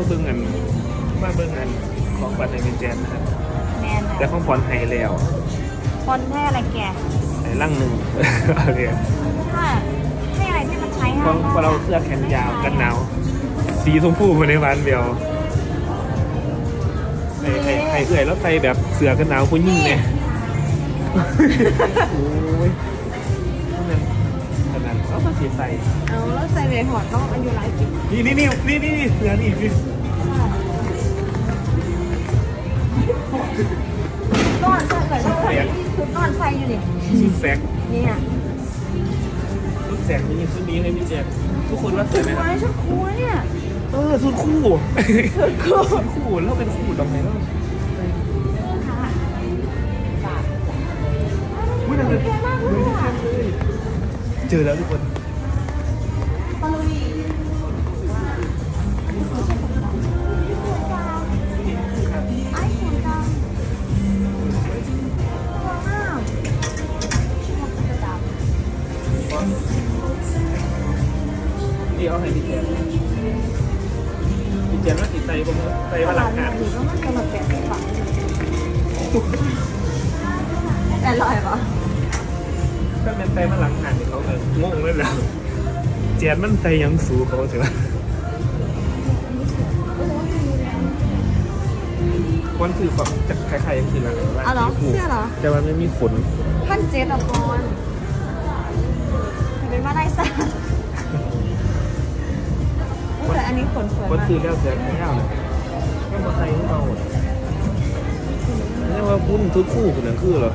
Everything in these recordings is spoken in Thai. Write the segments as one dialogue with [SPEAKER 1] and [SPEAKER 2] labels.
[SPEAKER 1] เบิ่งกันของขวัญในเป็นแจนนะครับ
[SPEAKER 2] แมน
[SPEAKER 1] แต่ของขวัญให้แล้ว
[SPEAKER 2] คนให้อะไรแก
[SPEAKER 1] ให้ร่างหนึ่งโอเค
[SPEAKER 2] ถ้าให้อะไรที่มันใช้ง่าย
[SPEAKER 1] เพราะเราเสื้อแขนยาวกันหนาวสีชมพูในวันเดียวให้เอื่อยแล้วใส่แบบเสื้อกันหนาวผู้หญิงเนี่ยโอ้ยขนาดเขาก็สีใส่
[SPEAKER 2] เอาแล้วใส่เบหอดต้องอายุหลายปี
[SPEAKER 1] นี่เสื้อนี่
[SPEAKER 2] นอนใส่เลยต้องใส่ชุดนอนใส่อยู่ดิ
[SPEAKER 1] ชุดแสก
[SPEAKER 2] นี่อ่ะ
[SPEAKER 1] ชุดแสกนี่ชุดนี้ให้พี่แจ๊คทุกคนว่าสวยไหมครับ
[SPEAKER 2] ชุดคู่เนี่ย
[SPEAKER 1] ชุดคู่ชุดคู่แล้วเป็นคู่ตรงไหนแล้วอุ้ยนั่นเลยเจอแล้วทุกคนที่เอาให้พี่แจ๊คว่าติดใจผมใจว่าหลักการ
[SPEAKER 2] ก็มันกำลังแกะฝังแต่ลอยปะ
[SPEAKER 1] ถ้าเป็นใจมาหลักการเขาก็งงเลยแล้วแจ๊คมันใจยังสูงเขาใช่ไหมวันคือแบบจะคล้ายๆคืออะไร
[SPEAKER 2] เอาเหรอเสื้อเหรอ
[SPEAKER 1] แต่มันไม่มีขน
[SPEAKER 2] 1,700อ่ะก่อนเป็นว่าได้ซะแต่อันนี้ขนสวย
[SPEAKER 1] วัน
[SPEAKER 2] มาก
[SPEAKER 1] คือแล้วแต่ไม่เอาเลยก็มาใส่ให้เรานี่ว่าพุ่นทุกคู่คนนั้นคือเหรอ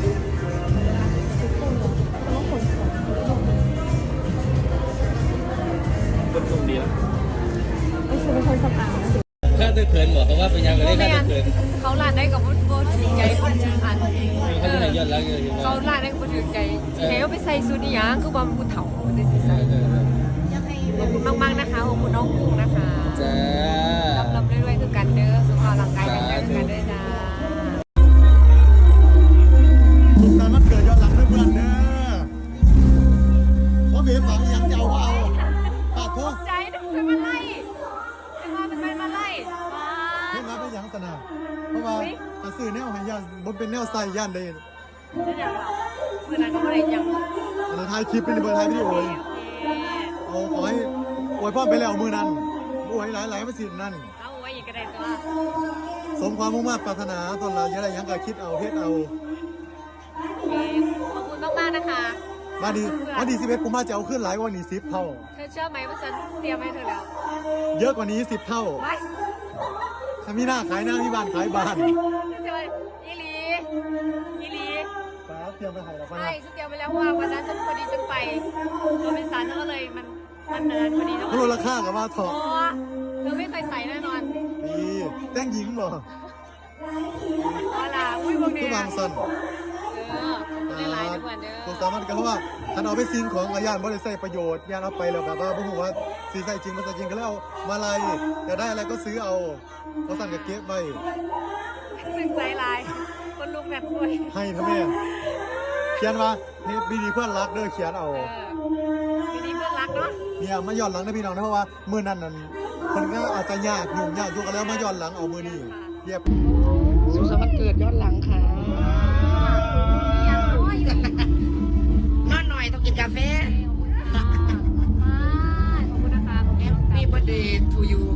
[SPEAKER 1] คนตรงเดียว
[SPEAKER 2] ไม่ใช่เป็นคนสตางค์
[SPEAKER 3] ข้าตะเขินบอกเขาว่าเป็นยังไงได้ข้าตะเขิน
[SPEAKER 4] เขาลาดได้กับโบถึงใจคนชื่ออัน
[SPEAKER 3] เขาจะให้ยอดรักเลย
[SPEAKER 4] เขาลาดได้กับโบถึงใจเทวไปใส่สูทนี่ยังคือบอมกูเถาได้สิใส่ขอบคุณมากๆนะคะขอบคุณน้องกุ้งนะคะ
[SPEAKER 3] จ้า
[SPEAKER 4] รับเรื่อยๆคือกันเด้อสุขภาพร่างกายกันเด้อกันเด้อจ้า
[SPEAKER 5] สุขสันต์วันเกิดย้อนหลังด้วยเพื่อนเด้อเพราะเบียฝังยังจะเอาก็เอาปากทุก
[SPEAKER 4] ใจเป็นมาไล่เป็นมาไล่
[SPEAKER 5] เห็นมาเป็นยังสนาเพราะว่าถ้าซื้อแนวให้ย่านบนเป็นแนวใส่ย่านได้
[SPEAKER 4] เดี๋ยวเมื่อนั้นก็ไม่ได้ยัง
[SPEAKER 5] อันนั้นถ่ายคลิปเป็นเบอร์ถ่ายวิดีโอเลยเอาขอให้อวยพ่อไปแล้วมือนั้นอวยหลายๆมาสินั่น
[SPEAKER 4] เอาไว้อีกก็ได้ตัว
[SPEAKER 5] สมความมุ่งมั่นปรารถนาตนเราอย่าได้ยังก็คิดเอาเฮ็ดเอา
[SPEAKER 4] ขอบคุณมากๆนะคะ
[SPEAKER 5] มาดี11ผมมาจะเอาขึ้นหลายกว่านี้10เท่า
[SPEAKER 4] เธอเชื่อไหมว่าฉันเตรียมให้เธอแล้ว
[SPEAKER 5] เยอะกว่านี้10เท่า
[SPEAKER 4] ไป
[SPEAKER 5] ถ้ามีหน้าขายหน้ามีบ้านขายบ้าน
[SPEAKER 4] เชื่อไหมอีลี
[SPEAKER 5] ป้าเตรียมไปให้เรา
[SPEAKER 4] ใช่ฉันเตรียมไปแล้วว่าวันนั้นฉันพอดีฉันไปตัวเป็นสารก็เลยมันเดินพอดีแล้ว
[SPEAKER 5] มันลดราคากับว่าเถ
[SPEAKER 4] อ๋
[SPEAKER 5] อะ
[SPEAKER 4] อเธอไม่เคยใส่แน่นอน
[SPEAKER 5] นี่แต่งหญิงบ่
[SPEAKER 4] เอาล่ะอุ้ยพวกเนี้
[SPEAKER 5] คือบางสัน
[SPEAKER 4] ได้หลายทุกวันเด้อ
[SPEAKER 5] ตัวสามันก็เพราะว่าถ้าเอาไปซิงของย่านบ่ได้ใส่ประโยชน์ย่านเอาไปแล้วแบบว่าบ่ฮู้ว่าสิใส่จริงบ่ใส่จริงก็แล้วมาลัยอยากได้อะไรก็ซื้อเอาเพราะสั่นก็เก็บไว้
[SPEAKER 4] ซึ้งใจหลายคนลุกแบบคุย
[SPEAKER 5] ให้พ่อแม่เขียนว่าเฮ็ดดีๆเพื่อนรักเด้อเขียนเอา
[SPEAKER 4] ทีนี้เพื่อนรักเนาะ
[SPEAKER 5] เนี่ยมาย้อนหลังนะพี่น้องนะเพราะว่ามื้อนั้นนั่นเพิ่นก็อาจจะยากยุ่งยากอยู่กันแล้วมาย้อนหลังเอามื้อนี้เรียบ
[SPEAKER 6] สุขสันต์วันเกิดย้อนหลังค่ะนอนหน่อยต้องกินกาแฟ
[SPEAKER 4] ขอบคุณนะคะ
[SPEAKER 6] Happy birthday to you